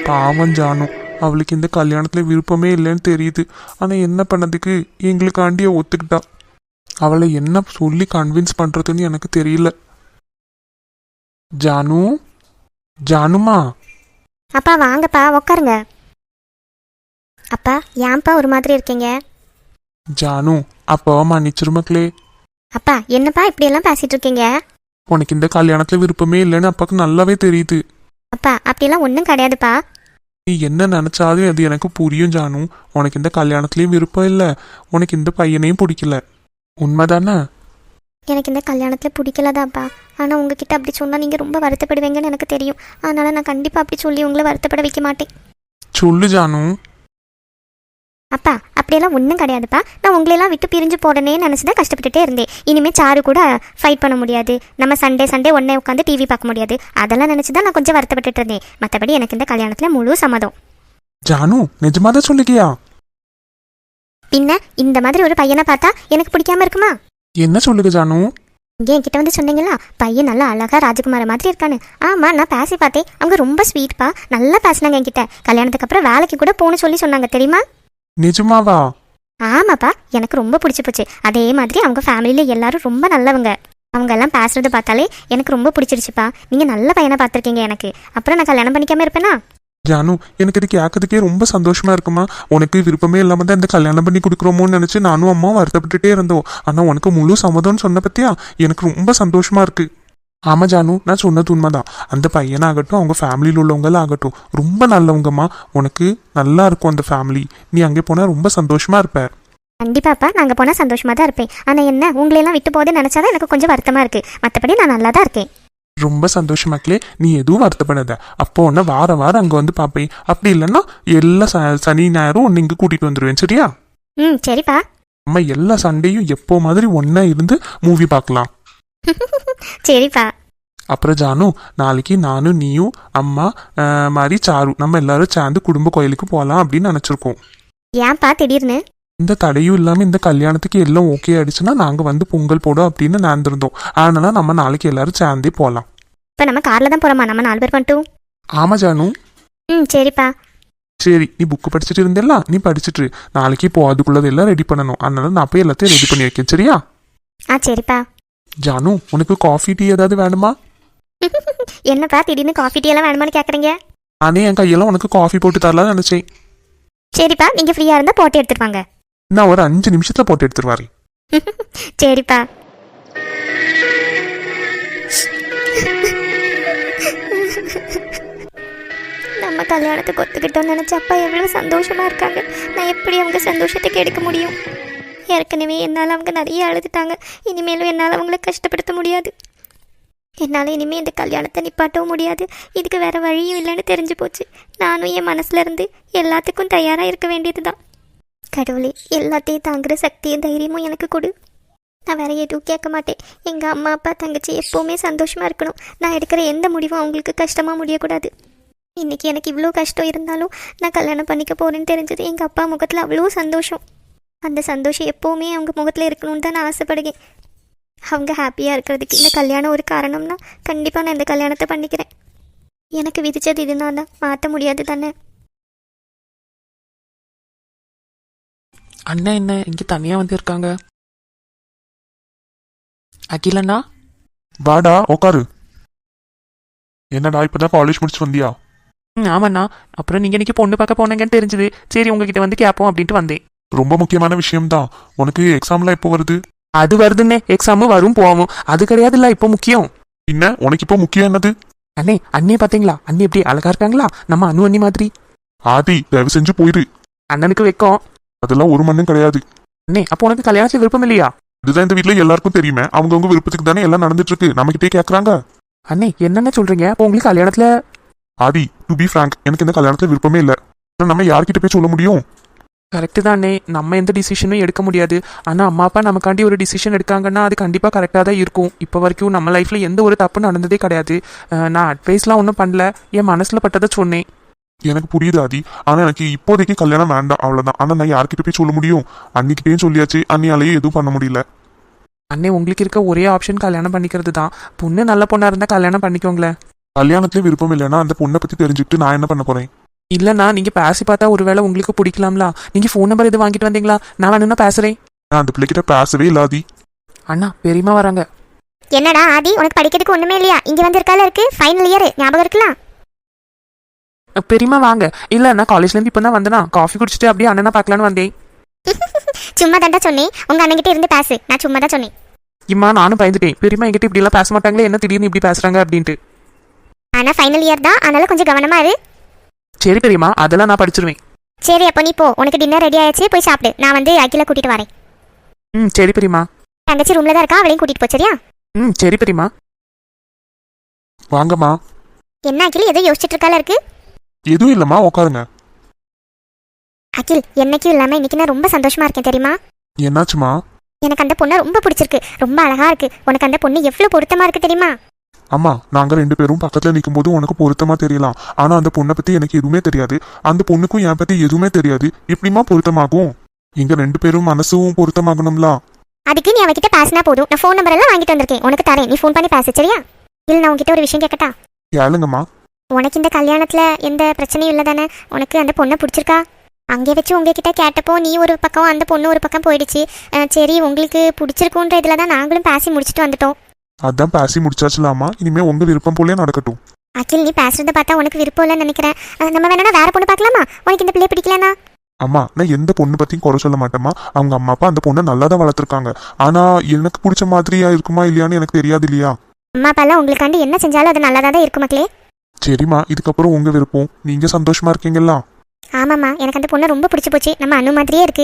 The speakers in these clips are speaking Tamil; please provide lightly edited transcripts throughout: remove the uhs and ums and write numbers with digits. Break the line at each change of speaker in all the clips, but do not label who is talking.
பாவம் ஜானு, அவளுக்கு இந்த கல்யாணத்துல விருப்பமே இல்லைன்னு தெரியுது. ஆனா என்ன பண்ணதுக்கு எங்களுக்காண்டிய ஒத்துக்கிட்டா. அவளை என்ன சொல்லி கன்வின்ஸ் பண்றதுன்னு எனக்கு தெரியல. ஜானு, ஜானுமா.
அப்பா வாங்கப்பா உட்காருங்க. அப்பா ஏன்ப்பா ஒரு மாதிரி இருக்கீங்க?
ஜானு, அப்பாவை மன்னிச்சிரு மக்களே.
அப்பா என்னப்பா இப்படியெல்லாம் பேசிட்டு இருக்கீங்க?
உனக்கு இந்த கல்யாணத்துல விருப்பமே இல்லைன்னு அப்பாவுக்கு நல்லாவே தெரியுது.
அப்பா அப்படியெல்லாம் ஒன்றும் கிடையாதுப்பா.
நீ என்ன நினைச்சாலும் அது எனக்கு புரியும் ஜானு. உனக்கு இந்த கல்யாணத்துலயும் விருப்பம் இல்லை, உனக்கு இந்த பையனையும் பிடிக்கல, உண்மைதானே?
எனக்கு இந்த கல்யாணத்தில் பிடிக்கலதாப்பா. ஆனால் உங்ககிட்ட அப்படி சொன்னால் நீங்கள் ரொம்ப வருத்தப்படுவீங்கன்னு எனக்கு தெரியும். அதனால் நான் கண்டிப்பாக அப்படி சொல்லி உங்களை வருத்தப்பட வைக்க மாட்டேன்.
சொல்லு ஜானு.
அப்பா அப்படியெல்லாம் ஒன்றும் கிடையாதுப்பா. நான் உங்களையெல்லாம் விட்டு பிரிஞ்சு போடனே நினச்சி தான் கஷ்டப்பட்டுட்டே இருந்தேன். இனிமேல் சாரு கூட ஃபைட் பண்ண முடியாது, நம்ம சண்டே ஒன்றே உட்காந்து டிவி பார்க்க முடியாது. அதெல்லாம் நினச்சி தான் நான் கொஞ்சம் வருத்தப்பட்டுட்டு இருந்தேன். மற்றபடி எனக்கு இந்த கல்யாணத்தில் முழு சம்மதம்.
ஜானு, நிஜமாதான் சொல்லிக்கியா?
பின்ன இந்த மாதிரி ஒரு பையனை பார்த்தா எனக்கு பிடிக்காம இருக்குமா?
என்ன சொல்லுங்க ஜானு?
இங்கே என்கிட்ட வந்து சொன்னீங்களா பையன் நல்லா அழகா ராஜகுமார மாதிரி இருக்கான்னு. ஆமாம், நான் பேசி பார்த்தேன். அவங்க ரொம்ப ஸ்வீட்பா, நல்லா பேசினாங்க என்கிட்ட. கல்யாணத்துக்கு அப்புறம் வேலைக்கு கூட போகணும்னு சொல்லி சொன்னாங்க தெரியுமா?
நிஜமாவா?
ஆமாப்பா, எனக்கு ரொம்ப பிடிச்சி போச்சு. அதே மாதிரி அவங்க ஃபேமிலியில் எல்லாரும் ரொம்ப நல்லவங்க. அவங்க எல்லாம் பேசுறது பார்த்தாலே எனக்கு ரொம்ப பிடிச்சிருச்சுப்பா. நீங்கள் நல்ல பையனை பார்த்துருக்கீங்க எனக்கு. அப்புறம் நான் கல்யாணம் பண்ணிக்காம இருப்பேனா?
ஜானு, எனக்கு இது கேட்கறதுக்கே ரொம்ப சந்தோஷமா இருக்குமா. உனக்கு விருப்பமே இல்லாம தான் இந்த கல்யாணம் பண்ணி கொடுக்குறோமோன்னு நினைச்சு நானும் அம்மாவும் வருத்தப்பட்டுட்டே இருந்தோம். ஆனா உனக்கு முழு சம்மதம்னு சொன்ன பத்தியா எனக்கு ரொம்ப சந்தோஷமா இருக்கு. ஆமா ஜானு, நான் சொன்னது உண்மைதான். அந்த பையனாகட்டும் அவங்க ஃபேமிலியில் உள்ளவங்களும் ஆகட்டும் ரொம்ப நல்லவங்கம்மா. உனக்கு நல்லா இருக்கும் அந்த ஃபேமிலி. நீ அங்கே போனா ரொம்ப சந்தோஷமா இருப்ப.
கண்டிப்பாப்பா, நாங்கள் போனால் சந்தோஷமாக தான் இருப்பேன். ஆனால் என்ன உங்களையெல்லாம் விட்டு போதே நினச்சாதான் எனக்கு கொஞ்சம் வருத்தமாக இருக்குது. மற்றபடி நான் நல்லா தான் இருக்கேன்.
ரொம்ப சந்தோஷமாக்கலே, நீ எதுவும் வருத்தப்படாத. அப்போ ஒன்று வாரம் அங்கே வந்து பார்ப்பேன். அப்படி இல்லைன்னா எல்லா சனி ஞாயிறும் ஒன்று இங்கே கூட்டிகிட்டு வந்துடுவேன், சரியா?
சரிப்பா.
நம்ம எல்லா சண்டையும் எப்போ மாதிரி ஒன்றா இருந்து மூவி பார்க்கலாம்.
சரிப்பா.
அப்புறம் ஜானு, நாளைக்கு நானும் நீயும் அம்மா மாதிரி சாரு நம்ம எல்லாரும் சேர்ந்து குடும்ப கோயிலுக்கு போகலாம் அப்படின்னு நினச்சிருக்கோம்.
ஏன்பா திடீர்னு?
இந்த தடையும் இல்லாமல் இந்த கல்யாணத்துக்கு எல்லாம் ஓகே ஆயிடுச்சுன்னா நாங்கள் வந்து பொங்கல் போடும் அப்படின்னு நினைந்திருந்தோம். அதனால நம்ம நாளைக்கு எல்லாரும் சேர்ந்தே போகலாம்.
இப்போ நம்ம காரில் தான் போகிறோமா? நம்ம 4 பேர் பண்ணிட்டோம்.
ஆமா ஜானு.
சரிப்பா.
சரி, நீ புக்கு படிச்சுட்டு இருந்தேல்ல, நீ படிச்சுட்டு நாளைக்கு இப்போ அதுக்குள்ளதெல்லாம் ரெடி பண்ணணும். அதனால நான் போய் எல்லாத்தையும் ரெடி பண்ணி வைக்கேன், சரியா?
சரிப்பா.
ஜானு, உனக்கு காஃபி டீ ஏதாவது வேணுமா?
என்னப்பா திடீர்னு காஃபி டீ எல்லாம் வேணுமான்னு கேட்குறீங்க?
நானே என் கையெல்லாம் உனக்கு காஃபி போட்டு தரலாம்னு நினைச்சேன்.
சரிப்பா, நீங்கள் ஃப்ரீயாக இருந்தால் போட்டு எடுத்துருவாங்க.
நான் ஒரு 5 நிமிஷத்துல போட்டு எடுத்துருவாரு.
சரிப்பா. நம்ம கல்யாணத்துக்கு ஒத்துக்கிட்டோம்னு நினச்ச அப்பா எவ்வளோ சந்தோஷமா இருக்காங்க. நான் எப்படி அவங்க சந்தோஷத்துக்கு எடுக்க முடியும்? ஏற்கனவே என்னால் அவங்க நிறைய அழுதுட்டாங்க. இனிமேலும் என்னால் அவங்கள கஷ்டப்படுத்த முடியாது. என்னால் இனிமேல் இந்த கல்யாணத்தை நிப்பாட்டவும் முடியாது. இதுக்கு வேற வழியும் இல்லைன்னு தெரிஞ்சு போச்சு. நானும் என் மனசுல இருந்து எல்லாத்துக்கும் தயாராக இருக்க வேண்டியது தான். கடவுளே, எல்லாத்தையும் தாங்குற சக்தியும் தைரியமும் எனக்கு கொடு. நான் வேற எதுவும் கேட்க மாட்டேன். எங்கள் அம்மா அப்பா தங்கச்சி எப்போவுமே சந்தோஷமாக இருக்கணும். நான் எடுக்கிற எந்த முடிவும் அவங்களுக்கு கஷ்டமாக முடியக்கூடாது. இன்றைக்கி எனக்கு இவ்வளோ கஷ்டம் இருந்தாலும் நான் கல்யாணம் பண்ணிக்க போகிறேன்னு தெரிஞ்சது எங்கள் அப்பா முகத்தில் அவ்வளோ சந்தோஷம். அந்த சந்தோஷம் எப்போவுமே அவங்க முகத்தில் இருக்கணும்னு தான் நான் ஆசைப்படுகிறேன். அவங்க ஹாப்பியாக இருக்கிறதுக்கு இந்த கல்யாணம் ஒரு காரணம்னா கண்டிப்பாக நான் இந்த கல்யாணத்தை பண்ணிக்கிறேன். எனக்கு விதிச்சது இதுனா தான் மாற்ற முடியாது தானே.
அண்ணா என்ன இங்க தனியா வந்து இருக்காங்க? அகிலண்ணா,
வாடா உக்காரு. என்னடா இப்பதான் காலேஜ் முடிச்சு வந்தியா?
ஆமாண்ணா. அப்புறம் நீங்க இன்னைக்கு பொண்ணு பார்க்க போனீங்கன்னு தெரிஞ்சது. சரி உங்ககிட்ட வந்து கேட்போம் அப்படின்ட்டு வந்தேன்.
ரொம்ப முக்கியமான விஷயம்தான். உனக்கு எக்ஸாம்லாம் எப்போ வருது?
அது வருதுன்னே, எக்ஸாமும் வரும் போவோம். அது கிடையாதுல்ல இப்போ முக்கியம்.
என்ன உனக்கு இப்போ முக்கியம் என்னது?
அண்ணே, அண்ணே பாத்தீங்களா? அண்ணி எப்படி அழகா இருக்காங்களா? நம்ம அண்ணு அண்ணி மாதிரி.
ஆதி, தயவு செஞ்சு போயிரு.
அண்ணனுக்கு வைக்கும்.
அதெல்லாம் ஒரு மண்ணும் கிடையாது.
அண்ணே, அப்போ உனக்கு கல்யாணத்துக்கு விருப்பம் இல்லையா?
இதுதான் இந்த வீட்டுல எல்லாருக்கும் தெரியுமே. அவங்கவுங்க விருப்பத்துக்கு தானே எல்லாம் நடந்துட்டு இருக்கு. நம்ம கிட்டே கேக்குறாங்க.
அண்ணே என்னென்ன சொல்றீங்க? அப்போ உங்களுக்கு கல்யாணத்துல?
ஆதி, டு பி ஃப்ராங்க், எனக்கு இந்த கல்யாணத்துல விருப்பமே இல்லை. நம்ம யார்கிட்ட போய் சொல்ல முடியும்?
கரெக்டு தானே, நம்ம எந்த டிசிஷனும் எடுக்க முடியாது. ஆனால் அம்மா அப்பா நமக்காண்டி ஒரு டிசிஷன் எடுக்காங்கன்னா அது கண்டிப்பாக கரெக்டாக தான் இருக்கும். இப்போ வரைக்கும் நம்ம லைஃப்பில் எந்த ஒரு தப்பு நடந்ததே கிடையாது. நான் அட்வைஸ்லாம் ஒன்றும் பண்ணல, என் மனசில் பட்டதை சொன்னேன்.
எனக்கு புரியுது ஆதி, ஆனால் எனக்கு இப்போதைக்கு கல்யாணம் வேண்டாம், அவ்வளோதான். ஆனால் நான் யார்கிட்ட போய் சொல்ல முடியும்? அன்னிக்கிட்டேயும் சொல்லியாச்சு, அன்னியாலேயே எதுவும் பண்ண முடியல.
அண்ணே, உங்களுக்கு இருக்க ஒரே ஆப்ஷன் கல்யாணம் பண்ணிக்கிறது தான். பொண்ணு நல்ல பொண்ணாக இருந்தால் கல்யாணம் பண்ணிக்கோங்களேன்.
கல்யாணத்துல விருப்பம் இல்லைன்னா அந்த பொண்ணை பற்றி தெரிஞ்சுக்கிட்டு நான் என்ன பண்ண போகிறேன்?
இல்லைண்ணா நீங்கள் பேசி பார்த்தா ஒருவேளை உங்களுக்கு பிடிக்கலாம்ல. நீங்கள் ஃபோன் நம்பர் எது வாங்கிட்டு வந்தீங்களா? நான் வேணும்னா பேசுகிறேன்.
நான் அந்த பிள்ளைகிட்ட பேசவே இல்லாதி.
அண்ணா பெரியம்மா வராங்க.
என்னடா ஆதி, உனக்கு படிக்கிறதுக்கு ஒண்ணுமே இல்லையா? இங்க வந்திருக்கால இருக்கு ஃபைனல் இயர், ஞாபகம் இருக்கலாம்.
பெரியம்மா வாங்க. இல்லை நான் காலேஜ்லேருந்து இப்போ தான் வந்தேனா, காஃபி குடிச்சிட்டு அப்படியே அண்ணனை பார்க்கலான்னு வந்தேன்.
சும்மா தாண்டா சொன்னேன், உங்க அண்ணன்கிட்ட இருந்து பேசு. நான் சும்மா தான் சொன்னேன்.
இம்மா நானும் பயந்துட்டேன், பெரியம்மா என்கிட்ட இப்படிலாம் பேச மாட்டாங்களே, என்ன திடீர்னு இப்படி பேசுகிறாங்க அப்படின்ட்டு.
ஆனா ஃபைனல் இயர் தான், அதனால கொஞ்சம் கவனமா இரு.
சரி பெரியம்மா, அதெல்லாம் நான் படிச்சிருவேன்.
சரி அப்போ நீ போ, உனக்கு டின்னர் ரெடி ஆயிடுச்சு, போய் சாப்பிடு. நான் வந்து அகில கூட்டிட்டு வரேன்.
சரி பெரியம்மா.
தங்கச்சி ரூம்ல தான் இருக்கா, அவளையும் கூட்டிட்டு போ சரியா?
சரி பெரியம்மா.
வாங்கம்மா.
என்ன அகில் ஏதோ யோசிச்சுட்டு இருக்கால இருக்கு?
எதுவும் இல்லம்மா, உட்காருங்க.
அகில் என்னைக்கும் இல்லாம இன்னைக்கு நான் ரொம்ப சந்தோஷமா இருக்கேன் தெரியுமா?
என்னாச்சுமா?
எனக்கு அந்த பொண்ணை ரொம்ப பிடிச்சிருக்கு, ரொம்ப அழகா இருக்கு. உனக்கு அந்த பொண்ணு எவ்வளவு பொருத்தமா இருக்கு தெரியுமா?
அம்மா, நாங்க 2 பேரும் பக்கத்துல நிற்கும் போது உனக்கு பொருத்தமா தெரியலாம். ஆனா அந்த பொண்ணை பத்தி எனக்கு எதுவுமே தெரியாது. அந்த பொண்ணுக்கும் என் பத்தி எதுவுமே தெரியாது. எப்படிமா பொருத்தமாகும்? எங்க 2 பேரும் மனசும் பொருத்தமாகணும்ல.
அதுக்கு நீ அவகிட்ட பேசினா போதும். நான் ஃபோன் நம்பர் எல்லாம் வாங்கிட்டு வந்திருக்கேன், உனக்கு தரேன். நீ ஃபோன் பண்ணி பேசு சரியா? இல்ல நான் உன்கிட்ட ஒரு விஷயம் கேட்கட்டா?
கேளுங்கம்மா.
உனக்கு இந்த கல்யாணத்துல எந்த பிரச்சனையும் இல்லை தானே? உனக்கு அந்த பொண்ணை பிடிச்சிருக்கா? அங்கே வச்சு உங்ககிட்ட கேட்டப்போ நீ ஒரு பக்கம் அந்த பொண்ணு ஒரு பக்கம் போயிடுச்சு. சரி உங்களுக்கு பிடிச்சிருக்குன்ற இதில் தான் நாங்களும் பேசி முடிச்சுட்டு வந்துட்டோம்.
அதான் பேசி முடிச்சாச்சுலாமா, இனிமே உங்க விருப்பம் போலே நடக்கட்டும்.
அகில் நீ பேசுறத பார்த்தா உனக்கு விருப்பம் இல்லைன்னு நினைக்கிறேன். நம்ம வேணா வேற பொண்ணு பார்க்கலாமா? உனக்கு இந்த பிள்ளைய பிடிக்கலனா?
அம்மா, நான் எந்த பொண்ணு பத்தியும் குறை சொல்ல மாட்டேம்மா. அவங்க அம்மா அப்பா அந்த பொண்ணை நல்லா தான் வளர்த்துருக்காங்க. ஆனா எனக்கு பிடிச்ச மாதிரியா இருக்குமா இல்லையான்னு எனக்கு தெரியாது இல்லையா?
அம்மா அப்பா எல்லாம் உங்களுக்காண்டி என்ன செஞ்சாலும் அது நல்லா தான் இருக்கும் மக்களே.
சரிம்மா, இதுக்கப்புறம் உங்க விருப்பம். நீங்க சந்தோஷமா இருக்கீங்களா?
ஆமாம்மா, எனக்கு அந்த பொண்ணை ரொம்ப பிடிச்சி போச்சு. நம்ம அண்ணு மாதிரியே இருக்கு.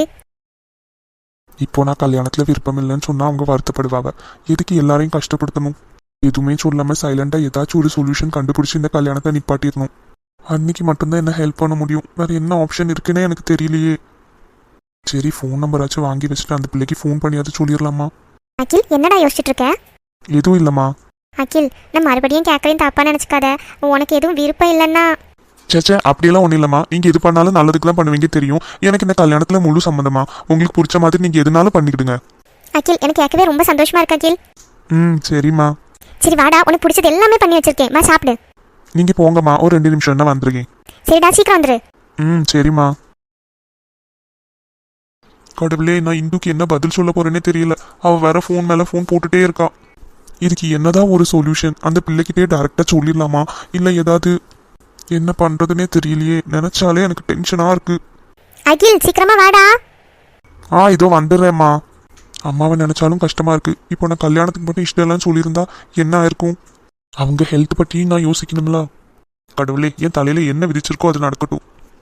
இப்போ நான் கல்யாணத்துல விருப்பம் இல்லைன்னு சொன்னா அவங்க வருத்தப்படுவாங்க. எதுக்கு எல்லாரையும் கஷ்டப்படுத்தணும்? எதுவுமே சொல்லாம சைலண்டா ஏதாச்சும் ஒரு சொல்யூஷன் கண்டுபிடிச்சு இந்த கல்யாணத்தை நிப்பாட்டிடணும். அன்னைக்கு மட்டும்தான் என்ன ஹெல்ப் பண்ண முடியும். வேற என்ன ஆப்ஷன் இருக்குன்னே எனக்கு தெரியலையே. சரி, ஃபோன் நம்பராச்சும் வாங்கி வச்சுட்டு அந்த பிள்ளைக்கு ஃபோன் பண்ணியாவது சொல்லிடலாமா?
அகில் என்னடா யோசிச்சுட்டு இருக்க?
எதுவும் இல்லம்மா.
அகில் நான் மறுபடியும் கேட்கறேன், தப்பா நினைச்சுக்காத. உனக்கு எதுவும் விருப்பம் இல்லைன்னா?
சேச்சே, அப்படியெல்லாம் ஒன்றும் இல்லம்மா. நீங்க எது பண்ணாலும் நல்லதுக்கு தான் பண்ணுவீங்க தெரியும். எனக்கு இந்த கல்யாணத்துல முழு சம்மந்தமா. உங்களுக்கு பிடிச்ச மாதிரி நீங்க எதுனாலும் பண்ணிக்கிடுங்க.
அகில் எனக்கு கேட்கவே ரொம்ப சந்தோஷமா இருக்கு அகில்.
சரிம்மா.
சரி வாடா, உனக்கு பிடிச்சது எல்லாமே பண்ணி வச்சிருக்கேன், வா சாப்பிடு.
நீங்க போங்கம்மா, ஒரு 2 நிமிஷம் தான் வந்திருக்கேன்.
சரிடா சீக்கிரம் வந்துரு.
சரிம்மா. கடவுளே, நான் இந்துக்கு என்ன பதில் சொல்ல போறேன்னே தெரியல. அவ வேற ஃபோன் மேல ஃபோன் போட்டுட்டே இருக்கா. இதுக்கு என்னதான் ஒரு சொல்யூஷன்? அந்த பிள்ளைகிட்டே டைரக்டா சொல்லிடலாமா, இல்ல ஏதாவது என்ன பண்றதுன்னே தெரியலையே. நினைச்சாலே எனக்கு டென்ஷனா இருக்கு.
அகில் சீக்கிரமா வாடா.
இதோ வந்துடுறேம்மா. அம்மாவை நினைச்சாலும் கஷ்டமா இருக்கு. இப்போ நான் கல்யாணத்துக்கு மட்டும் இஷ்டம் இல்லைன்னு சொல்லியிருந்தா என்ன ஆயிருக்கும்? அவங்க ஹெல்த் பற்றியும் நான் யோசிக்கணும்ல. கடவுளே, என் தலையில என்ன விதிச்சிருக்கோ அது நடக்கட்டும்.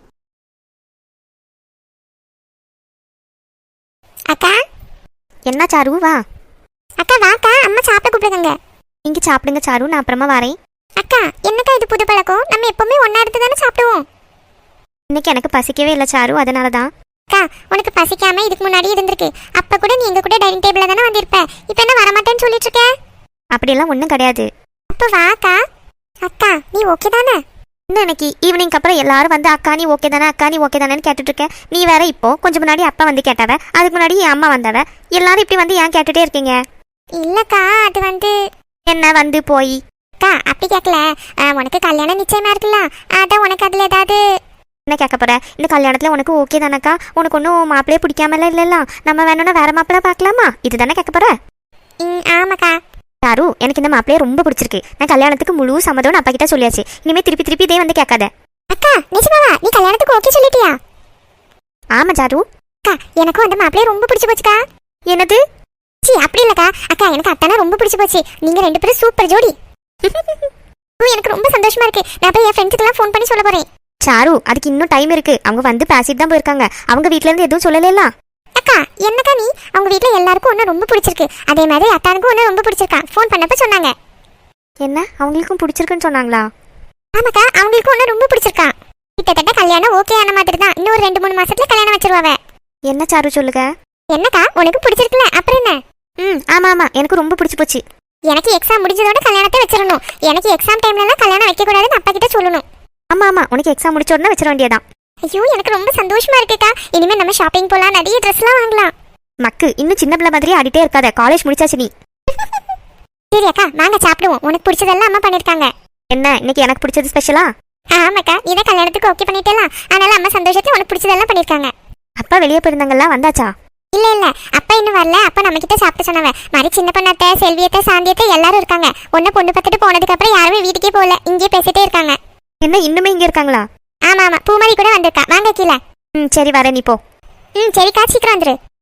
அக்கா என்ன சாரு வா. அக்கா வாக்கா, அம்மா சாப்பிட கூப்பிடுங்க. இங்க சாப்பிடுங்க சாரு, நான் அப்புறமா வரேன். அக்கா என்னக்கா இது புது பழக்கம்? நம்ம எப்பவுமே ஒன்னா எடுத்து தானே சாப்பிடுவோம். இன்னைக்கு எனக்கு பசிக்கவே இல்லை சாரு, அதனால தான். அக்கா உனக்கு பசிக்காம இதுக்கு முன்னாடி இருந்திருக்கு. அப்ப கூட நீ எங்க கூட டைனிங் டேபிள்ல தானே வந்திருப்ப. இப்போ என்ன வரமாட்டேன்னு சொல்லிட்டு இருக்க? அப்படியெல்லாம் ஒன்றும் கிடையாது. அப்போ வாக்கா. அக்கா நீ ஓகே தானே? இன்னும் எனக்கு ஈவினிங் அப்புறம் எல்லாரும் வந்து அக்கா நீ ஓகே தானே, அக்கா நீ ஓகே தானேன்னு கேட்டுட்டு இருக்க. நீ வேற இப்போ கொஞ்சம் முன்னாடி அப்பா வந்து கேட்டாவ, அதுக்கு முன்னாடி என் அம்மா வந்தாவ. எல்லாரும் இப்படி வந்து ஏன் கேட்டுட்டே இருக்கீங்க? இல்லக்கா அது வந்து என்ன வந்து போய் அக்கா அப்படி கேட்கல. உனக்கு கல்யாணம் நிச்சயமா இருக்குல்ல, அதான் உனக்கு அதுல ஏதாவது என்ன கேட்க போற? இந்த கல்யாணத்துல உனக்கு ஓகே தானக்கா? உனக்கு ஒன்றும் மாப்பிள்ளையே பிடிக்காமல இல்லைல்ல, நம்ம வேணும்னா வேற மாப்பிள்ளை பார்க்கலாமா? இதுதானே கேட்க போற? ஆமாக்கா. யாரு எனக்கு இந்த மாப்பிள்ளைய ரொம்ப பிடிச்சிருக்கு. நான் கல்யாணத்துக்கு முழு சம்மதம் அப்பா கிட்ட சொல்லியாச்சு. இனிமே திருப்பி திருப்பி இதே வந்து கேட்காத. அக்கா நிஜமாவா நீ கல்யாணத்துக்கு ஓகே சொல்லிட்டியா? ஆமா ஜாரு. அக்கா எனக்கும் அந்த மாப்பிள்ளைய ரொம்ப பிடிச்சு போச்சுக்கா. என்னது? சி அப்படி இல்லக்கா. அக்கா எனக்கு அத்தானா ரொம்ப பிடிச்சு போச்சு. நீங்க 2 பேரும் சூப்பர் ஜோடி. எனக்கு ரொம்ப சந்தோஷமா இருக்கு. நான் போய் என் ஃப்ரெண்ட்ஸுக்கெல்லாம் ஃபோன் பண்ணி சொல்ல போறேன். சாரு அதுக்கு இன்னும் டைம் இருக்கு. அவங்க வந்து பேசிட்டு தான் போயிருக்காங்க. அவங்க வீட்ல இருந்து எதுவும் சொல்லல. அக்கா என்னக்கா நீ? அவங்க வீட்ல எல்லாருக்கும் ஒன்று ரொம்ப பிடிச்சிருக்கு. அதே மாதிரி அத்தானுக்கும் ஒன்று ரொம்ப பிடிச்சிருக்கா. ஃபோன் பண்ணப்ப சொன்னாங்க. என்ன அவங்களுக்கும் பிடிச்சிருக்குன்னு சொன்னாங்களா? ஆமாக்கா அவங்களுக்கும் ஒன்று ரொம்ப பிடிச்சிருக்கா. கிட்டத்தட்ட கல்யாணம் ஓகே ஆன மாதிரி தான். இன்னும் ஒரு 2-3 மாசத்துல கல்யாணம் வச்சிருவாங்க. என்ன சாரு சொல்லுங்க. என்னக்கா உனக்கு பிடிச்சிருக்குல அப்புறம் என்ன? ஆமா ஆமா எனக்கு ரொம்ப பிடிச்சி போச்சு. எனக்கு எக்ஸாம் முடிஞ்சதோட கல்யாணத்தை வச்சிடணும். எனக்கு எக்ஸாம் டைம்லலாம் கல்யாணம் வைக்கக்கூடாதுன்னு அப்பா கிட்ட சொல்லணும். ஆமா ஆமா உனக்கு எக்ஸாம் முடிச்ச உடனே வச்சிட வேண்டியதான். ஐயோ எனக்கு ரொம்ப சந்தோஷமா இருக்குக்கா. இனிமே நம்ம ஷாப்பிங் போலாம், நிறைய ட்ரெஸ்லாம் வாங்கலாம். மக்கு இன்னும் சின்ன பிள்ளை மாதிரி ஆடிட்டே இருக்காத, காலேஜ் முடிச்சாச்சு நீ. சரி அக்கா வாங்க சாப்பிடுவோம். உனக்கு பிடிச்சதெல்லாம் அம்மா பண்ணிருக்காங்க. என்ன இன்னைக்கு எனக்கு பிடிச்சது ஸ்பெஷலா?
ஆமாக்கா இதை கல்யாணத்துக்கு ஓகே பண்ணிட்டேலாம். அதனால அம்மா சந்தோஷத்துல உனக்கு பிடிச்சதெல்லாம் பண்ணிருக்காங்க.
அப்பா வெளியே போயிருந்தாங்கல்லாம் வந்தாச்சா?
இல்ல இல்ல அப்பா இன்னும் வரல. அப்பா நம்ம கிட்ட சாப்பிட்டு சொன்னவ மாதிரி சின்ன பொண்ணாத்த செல்வியத்தை சாந்தியத்தை எல்லாரும் இருக்காங்க. ஒன்ன பொண்ணு பார்த்துட்டு போனதுக்கு அப்புறம் யாருமே வீட்டுக்கே போகல, இங்கே பேசிட்டே இருக்காங்க.
என்ன இன்னுமே இங்கே இருக்காங்களா?
ஆமா ஆமா பூமாரி கூட வந்திருக்கா. வாங்க கீழே.
ம் சரி வரேன், நீ போ.
சரிக்கா சீக்கிரம் வந்துரு.